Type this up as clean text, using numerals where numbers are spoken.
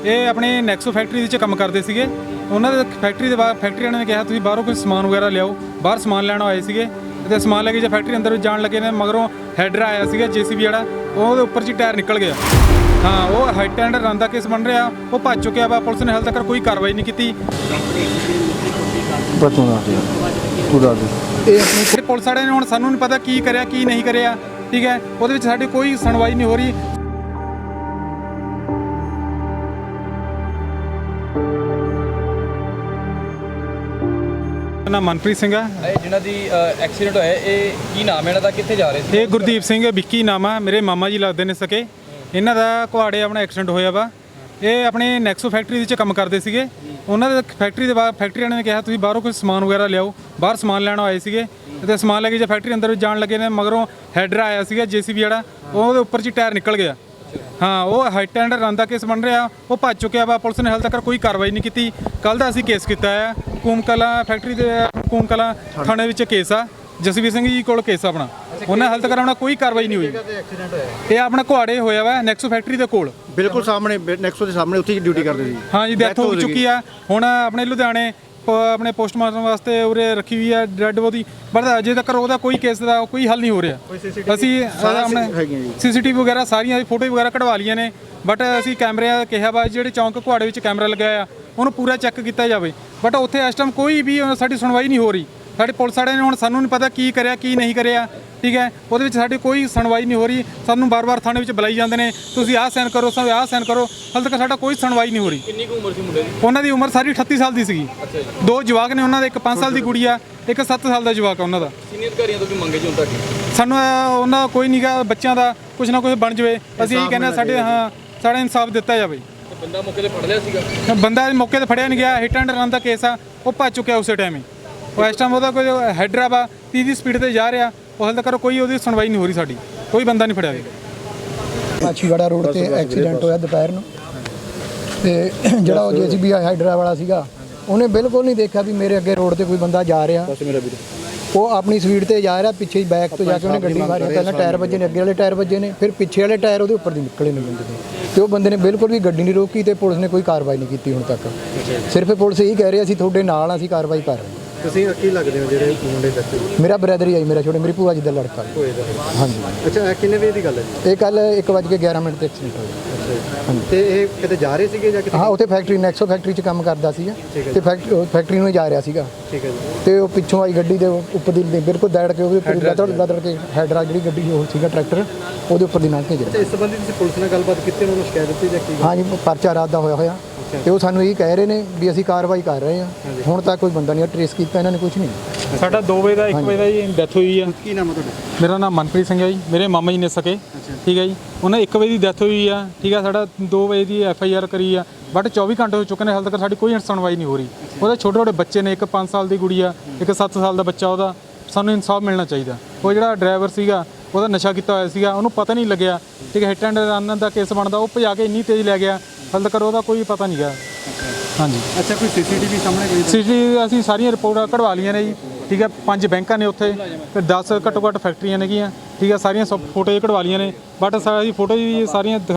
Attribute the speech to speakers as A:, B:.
A: ਇਹ ਆਪਣੇ ਨੈਕਸੋ ਫੈਕਟਰੀ ਵਿੱਚ ਕੰਮ ਕਰਦੇ ਸੀਗੇ। ਉਹਨਾਂ ਦੇ ਫੈਕਟਰੀ ਦੇ ਬਾਹਰ ਫੈਕਟਰੀ ਵਾਲਿਆਂ ਨੇ ਕਿਹਾ ਤੁਸੀਂ ਬਾਹਰੋਂ ਕੋਈ ਸਮਾਨ ਵਗੈਰਾ ਲਿਆਓ। ਬਾਹਰ ਸਮਾਨ ਲੈਣ ਆਏ ਸੀਗੇ ਤੇ ਸਮਾਨ ਲੈ ਕੇ ਜੇ ਫੈਕਟਰੀ ਅੰਦਰ ਜਾਣ ਲੱਗੇ ਨੇ ਮਗਰੋਂ ਹੈਡਰ ਆਇਆ ਸੀਗਾ JCB ਵਾਲਾ, ਉਹਦੇ ਉੱਪਰ 'ਚ ਟਾਇਰ ਨਿਕਲ ਗਿਆ। ਹਾਂ, ਉਹ ਹਾਈਟ ਐਂਡ ਰਨ ਦਾ ਕੇਸ ਬਣ ਰਿਹਾ, ਉਹ ਭੱਜ ਚੁੱਕਿਆ ਵਾ। ਪੁਲਿਸ ਨੇ ਹਾਲੇ ਤੱਕ ਕੋਈ ਕਾਰਵਾਈ ਨਹੀਂ ਕੀਤੀ। ਇਹ ਪੁਲਿਸ ਵਾਲਿਆਂ ਨੇ ਹੁਣ ਸਾਨੂੰ ਨਹੀਂ ਪਤਾ ਕੀ ਕਰਿਆ ਕੀ ਨਹੀਂ ਕਰਿਆ, ਠੀਕ ਹੈ। ਉਹਦੇ ਵਿੱਚ ਸਾਡੀ ਕੋਈ ਸੁਣਵਾਈ ਨਹੀਂ ਹੋ ਰਹੀ। ਨਾਮ ਮਨਪ੍ਰੀਤ ਸਿੰਘ ਹੈ।
B: ਜਿਹਨਾਂ ਦੀ ਐਕਸੀਡੈਂਟ ਹੋਇਆ, ਇਹ ਕੀ ਨਾਮ ਹੈ ਇਹਨਾਂ ਦਾ, ਕਿੱਥੇ ਜਾ ਰਹੇ ਸੀ?
A: ਇਹ ਗੁਰਦੀਪ ਸਿੰਘ ਵਿੱਕੀ ਨਾਮ ਆ, ਮੇਰੇ ਮਾਮਾ ਜੀ ਲੱਗਦੇ ਨੇ ਸਕੇ। ਇਹਨਾਂ ਦਾ ਕੁਹਾੜੇ ਆਪਣਾ ਐਕਸੀਡੈਂਟ ਹੋਇਆ ਵਾ। ਇਹ ਆਪਣੇ ਨੈਕਸੋ ਫੈਕਟਰੀ ਵਿੱਚ ਕੰਮ ਕਰਦੇ ਸੀਗੇ। ਉਹਨਾਂ ਦੇ ਫੈਕਟਰੀ ਦੇ ਬਾਹਰ ਫੈਕਟਰੀ ਵਾਲਿਆਂ ਨੇ ਕਿਹਾ ਤੁਸੀਂ ਬਾਹਰੋਂ ਕੋਈ ਸਮਾਨ ਵਗੈਰਾ ਲਿਆਓ। ਬਾਹਰ ਸਮਾਨ ਲੈਣ ਆਏ ਸੀਗੇ ਤੇ ਸਮਾਨ ਲੈ ਕੇ ਜੇ ਫੈਕਟਰੀ ਅੰਦਰ ਜਾਣ ਲੱਗੇ ਨੇ ਮਗਰੋਂ ਹੈਡਰ ਆਇਆ ਸੀਗਾ JCB ਵਾਲਾ, ਉਹਦੇ ਉੱਪਰ 'ਚ ਟਾਇਰ ਨਿਕਲ ਗਿਆ। ਹਾਂ, ਉਹ ਹਾਈਟ ਐਂਡ ਰਨ ਦਾ ਕੇਸ ਬਣ ਰਿਹਾ, ਉਹ ਭੱਜ ਚੁੱਕਿਆ ਵਾ। ਪੁਲਿਸ ਨੇ ਹਾਲੇ ਤੱਕ ਕੋਈ ਕਾਰਵਾਈ ਨਹੀਂ ਕੀਤੀ। ਕੱਲ੍ਹ ਦਾ ਅਸੀਂ ਕੇਸ ਕੀਤਾ ਆ ਕੂਮਕਲਾ ਫੈਕਟਰੀ ਦੇ ਕੂਮਕਲਾ ਥਾਣੇ ਵਿੱਚ ਕੇਸ ਆ। ਜਸਵੀਰ ਸਿੰਘ ਜੀ ਕੋਲ ਕੇਸ ਆਪਣਾ, ਉਹਨਾਂ ਹਾਲੇ ਤੱਕ ਆਪਣਾ ਕੋਈ ਕਾਰਵਾਈ ਨਹੀਂ ਹੋਈ। ਇਹ ਆਪਣਾ ਕੁਹਾੜੇ ਹੋਇਆ ਵਾ ਨੈਕਸੋ ਫੈਕਟਰੀ ਦੇ ਕੋਲ, ਬਿਲਕੁਲ ਸਾਹਮਣੇ ਨੈਕਸੋ ਦੇ ਸਾਹਮਣੇ, ਉੱਥੇ ਡਿਊਟੀ ਕਰਦੇ ਸੀ। ਹਾਂ ਜੀ, ਡੈਥ ਹੋ ਚੁੱਕੀ ਆ। ਹੁਣ ਆਪਣੇ ਲੁਧਿਆਣੇ ਆਪਣੇ ਪੋਸਟਮਾਰਟਮ ਵਾਸਤੇ ਉਰੇ ਰੱਖੀ ਹੋਈ ਆ ਡੈਡ ਬੋਡੀ, ਬਟ ਅਜੇ ਤੱਕ ਉਹਦਾ ਕੋਈ ਕੇਸ ਦਾ ਕੋਈ ਹੱਲ ਨਹੀਂ ਹੋ ਰਿਹਾ। ਅਸੀਂ ਆਪਣੇ CCTV ਵਗੈਰਾ ਸਾਰੀਆਂ ਫੋਟੋ ਵਗੈਰਾ ਕਢਵਾ ਲਈਆਂ ਨੇ, ਬਟ ਅਸੀਂ ਕੈਮਰੇ ਕਿਹਾ ਵਾ ਜਿਹੜੇ ਚੌਂਕ ਕੁਹਾੜੇ ਵਿੱਚ ਕੈਮਰਾ ਲਗਾਇਆ ਉਹਨੂੰ ਪੂਰਾ ਚੈੱਕ ਕੀਤਾ ਜਾਵੇ, ਬਟ ਉੱਥੇ ਇਸ ਟਾਈਮ ਕੋਈ ਵੀ ਸਾਡੀ ਸੁਣਵਾਈ ਨਹੀਂ ਹੋ ਰਹੀ। ਸਾਡੇ ਪੁਲਿਸ ਵਾਲਿਆਂ ਨੇ ਹੁਣ ਸਾਨੂੰ ਨਹੀਂ ਪਤਾ ਕੀ ਕਰਿਆ ਕੀ ਨਹੀਂ ਕਰਿਆ, ਠੀਕ ਹੈ। ਉਹਦੇ ਵਿੱਚ ਸਾਡੀ ਕੋਈ ਸੁਣਵਾਈ ਨਹੀਂ ਹੋ ਰਹੀ। ਸਾਨੂੰ ਬਾਰ-ਬਾਰ ਥਾਣੇ ਵਿੱਚ ਬੁਲਾਈ ਜਾਂਦੇ ਨੇ, ਤੁਸੀਂ ਆਹ ਸਾਈਨ ਕਰੋ, ਆਹ ਸਾਈਨ ਕਰੋ, ਹਾਲੇ ਤੱਕ ਸਾਡਾ ਕੋਈ ਸੁਣਵਾਈ ਨਹੀਂ ਹੋ ਰਹੀ।
B: ਕਿੰਨੀ ਕੁ ਉਮਰ ਸੀ ਮੁੰਡੇ ਦੀ?
A: ਉਹਨਾਂ ਦੀ ਉਮਰ ਸਾਰੀ 38 ਸਾਲ ਦੀ ਸੀਗੀ। ਦੋ ਜਵਾਕ ਨੇ ਉਹਨਾਂ ਦੇ, ਇੱਕ 5 ਸਾਲ ਦੀ ਕੁੜੀ ਆ, ਇੱਕ 7 ਸਾਲ ਦਾ ਜਵਾਕ ਆ ਉਹਨਾਂ ਦਾ।
B: ਸੀਨੀਅਰ ਅਧਿਕਾਰੀਆਂ ਤੋਂ ਕੀ ਮੰਗੇ ਜੀ ਹੁਣ ਤੱਕ?
A: ਸਾਨੂੰ ਉਹਨਾਂ ਕੋਈ ਨਹੀਂ ਗਾ, ਬੱਚਿਆਂ ਦਾ ਕੁਝ ਨਾ ਕੁਝ ਬਣ ਜਾਵੇ। ਅਸੀਂ ਇਹੀ ਕਹਿੰਦੇ ਸਾਡਾ ਇਨਸਾਫ ਦਿੱਤਾ ਜਾਵੇ।
B: ਬੰਦਾ ਮੌਕੇ ਤੇ ਫੜ ਲਿਆ ਸੀਗਾ?
A: ਬੰਦਾ ਮੌਕੇ ਤੇ ਫੜਿਆ ਨਹੀਂ ਗਿਆ। ਹਿੱਟ ਐਂਡ ਰਨ ਦਾ ਕੇਸ ਆ, ਉਹ ਭੱਜ ਚੁੱਕਿਆ ਉਸੇ ਟਾਈਮ ਹੀ। ਉਹ ਇਸ ਟਾਈਮ ਉਹਦਾ ਕੋਈ ਹੈਡਰ ਵਾ 30 ਦੀ ਸਪੀਡ ਤੇ ਜਾ ਰਿਹਾ, ਉਹ ਹਾਲੇ ਤੱਕ ਕੋਈ ਉਹਦੀ ਸੁਣਵਾਈ ਨਹੀਂ ਹੋ ਰਹੀ ਸਾਡੀ, ਕੋਈ ਬੰਦਾ ਨਹੀਂ ਫੜਿਆ ਗਿਆ।
C: ਮਾਛੀਵਾੜਾ ਰੋਡ ਤੇ ਐਕਸੀਡੈਂਟ ਹੋਇਆ ਦੁਪਹਿਰ ਨੂੰ, ਤੇ ਜਿਹੜਾ ਉਹ JCB ਹਾਈਡਰਾ ਵਾਲਾ ਸੀਗਾ ਉਹਨੇ ਬਿਲਕੁਲ ਨਹੀਂ ਦੇਖਿਆ ਵੀ ਮੇਰੇ ਅੱਗੇ ਰੋਡ ਤੇ ਕੋਈ ਬੰਦਾ ਜਾ ਰਿਹਾ। ਉਹ ਆਪਣੀ ਸਪੀਡ ਤੇ ਜਾ ਰਿਹਾ, ਪਿੱਛੇ ਬੈਕ ਤੋਂ ਜਾ ਕੇ ਉਹਨੇ ਗੱਡੀ ਮਾਰੀ। ਪਹਿਲਾਂ ਟਾਇਰ ਵੱਜੇ ਨੇ, ਅੱਗੇ ਵਾਲੇ ਟਾਇਰ ਵੱਜੇ ਨੇ, ਫਿਰ ਪਿੱਛੇ ਵਾਲੇ ਟਾਇਰ ਉਹਦੇ ਉੱਪਰ ਦੀ ਨਿਕਲੇ ਨੇ ਬੰਦੇ ਦੇ, ਤੇ ਉਹ ਬੰਦੇ ਨੇ ਬਿਲਕੁਲ ਵੀ ਗੱਡੀ ਨਹੀਂ ਰੋਕੀ ਤੇ ਪੁਲਿਸ ਨੇ ਕੋਈ ਕਾਰਵਾਈ ਨਹੀਂ ਕੀਤੀ ਹੁਣ ਤੱਕ। ਸਿਰਫ ਪੁਲਿਸ ਇਹੀ ਕਹਿ ਰਹੀ ਅਸੀਂ ਤੁਹਾਡੇ ਨਾਲ ਆ, ਅਸੀਂ ਕਾਰਵਾਈ ਕਰ ਰਹੇ ਹਾਂ।
D: ਤੁਸੀਂ ਕੀ ਲੱਗਦੇ ਹੋ ਜਿਹੜੇ ਮੁੰਡੇ ਦੱਸੇ?
C: ਮੇਰਾ ਬ੍ਰਦਰ ਹੀ ਆਈ, ਮੇਰਾ ਛੋਟੇ ਮੇਰੀ ਭੂਆ ਜੀ ਦਾ ਲੜਕਾ। ਹਾਂਜੀ।
D: ਅੱਛਾ, ਕਿੰਨੇ ਵਜੇ ਦੀ ਗੱਲ ਹੈ ਜੀ?
C: ਇਹ ਕੱਲ 1:11 ਤੇ ਐਕਸੀਡੈਂਟ ਹੋਇਆ।
D: ਹਾਂਜੀ। ਤੇ ਇਹ ਕਿਤੇ ਜਾ ਰਹੇ ਸੀਗੇ ਜਾਂ ਕਿਤੇ?
C: ਹਾਂ, ਉੱਥੇ ਫੈਕਟਰੀ ਨੈਕਸੋ ਫੈਕਟਰੀ 'ਚ ਕੰਮ ਕਰਦਾ ਸੀਗਾ ਤੇ ਫੈਕਟਰੀ ਨੂੰ ਜਾ ਰਿਹਾ ਸੀਗਾ।
D: ਠੀਕ ਹੈ ਜੀ।
C: ਤੇ ਉਹ ਪਿੱਛੋਂ ਆਈ ਗੱਡੀ ਦੇ ਉੱਪਰ ਦੀ ਬਿਲਕੁਲ ਦੈੜ ਕੇ ਉਹਦੇ ਉੱਪਰ ਲਦੜ ਕੇ ਹੈਡਰਾ ਜਿਹੜੀ ਗੱਡੀ ਉਹ ਸੀਗਾ ਟਰੈਕਟਰ, ਉਹਦੇ ਉੱਪਰ ਦੀ ਲੰਘ ਕੇ ਗਿਆ।
D: ਇਸ ਸੰਬੰਧੀ ਤੁਸੀਂ ਪੁਲਿਸ ਨਾਲ ਗੱਲਬਾਤ ਕੀਤੀ, ਉਹਨਾਂ ਨੂੰ ਸ਼ਿਕਾਇਤ ਦਿੱਤੀ ਜਾਂ ਕੀ?
C: ਹਾਂਜੀ, ਪਰਚਾ ਰਾਤ ਦਾ ਹੋਇਆ ਤੇ ਉਹ ਸਾਨੂੰ ਇਹ ਕਹਿ ਰਹੇ ਨੇ ਵੀ ਅਸੀਂ ਕਾਰਵਾਈ ਕਰ ਰਹੇ ਹਾਂ। ਹੁਣ ਤੱਕ ਕੋਈ ਬੰਦਾ ਨਹੀਂ ਟਰੇਸ ਕੀਤਾ ਇਹਨਾਂ ਨੇ, ਕੁਝ ਨਹੀਂ।
A: ਸਾਡਾ 2 ਵਜੇ ਦਾ 1 ਵਜੇ ਦਾ ਜੀ ਡੈਥ ਹੋਈ ਆ।
D: ਕੀ ਨਾਮ ਹੈ ਤੁਹਾਡਾ?
A: ਮੇਰਾ ਨਾਮ ਮਨਪ੍ਰੀਤ ਸਿੰਘ ਹੈ ਜੀ, ਮੇਰੇ ਮਾਮਾ ਜੀ ਨੇ ਸਕੇ, ਠੀਕ ਹੈ ਜੀ। ਉਹਨਾਂ 1 ਵਜੇ ਦੀ ਡੈਥ ਹੋਈ ਆ, ਠੀਕ ਆ। ਸਾਡਾ 2 ਵਜੇ ਦੀ FIR ਕਰੀ ਆ, ਬਟ 24 ਘੰਟੇ ਹੋ ਚੁੱਕੇ ਨੇ, ਹਾਲੇ ਤੱਕ ਸਾਡੀ ਕੋਈ ਸੁਣਵਾਈ ਨਹੀਂ ਹੋ ਰਹੀ। ਉਹਦੇ ਛੋਟੇ ਛੋਟੇ ਬੱਚੇ ਨੇ, ਇੱਕ 5 ਸਾਲ ਦੀ ਕੁੜੀ ਆ, ਇੱਕ 7 ਸਾਲ ਦਾ ਬੱਚਾ। ਉਹਦਾ ਸਾਨੂੰ ਇਨਸਾਫ ਮਿਲਣਾ ਚਾਹੀਦਾ। ਉਹ ਜਿਹੜਾ ਡਰਾਈਵਰ ਸੀਗਾ ਉਹਦਾ ਨਸ਼ਾ ਕੀਤਾ ਹੋਇਆ ਸੀਗਾ, ਉਹਨੂੰ ਪਤਾ ਨਹੀਂ ਲੱਗਿਆ, ਠੀਕ ਹੈ। ਹਿੱਟ ਐਂਡ ਰਨ ਦਾ ਕੇਸ ਬਣਦਾ, ਉਹ ਭਜਾ ਕੇ ਇੰਨੀ ਤੇਜ਼ ਲੈ ਗਿਆ, ਹਾਲੇ ਤੱਕ ਉਹਦਾ ਕੋਈ ਪਤਾ ਨਹੀਂ ਗਾ। ਹਾਂਜੀ।
D: ਅੱਛਾ, ਕੋਈ CCTV ਸਾਹਮਣੇ ਗਈ?
A: CCTV ਅਸੀਂ ਸਾਰੀਆਂ ਰਿਪੋਰਟਾਂ ਕਢਵਾ ਲਈਆਂ ਨੇ ਜੀ, ਠੀਕ ਹੈ। 5 ਬੈਂਕਾਂ ਨੇ ਉੱਥੇ, ਤੇ 10 ਘੱਟੋ ਘੱਟ ਫੈਕਟਰੀਆਂ ਨੇਗੀਆਂ, ਠੀਕ ਹੈ। ਸਾਰੀਆਂ ਫੋਟੋ ਕਢਵਾ ਲਈਆਂ ਨੇ, ਬਟ ਸਾਰੀ ਫੋਟੋ ਵੀ ਸਾਰੀਆਂ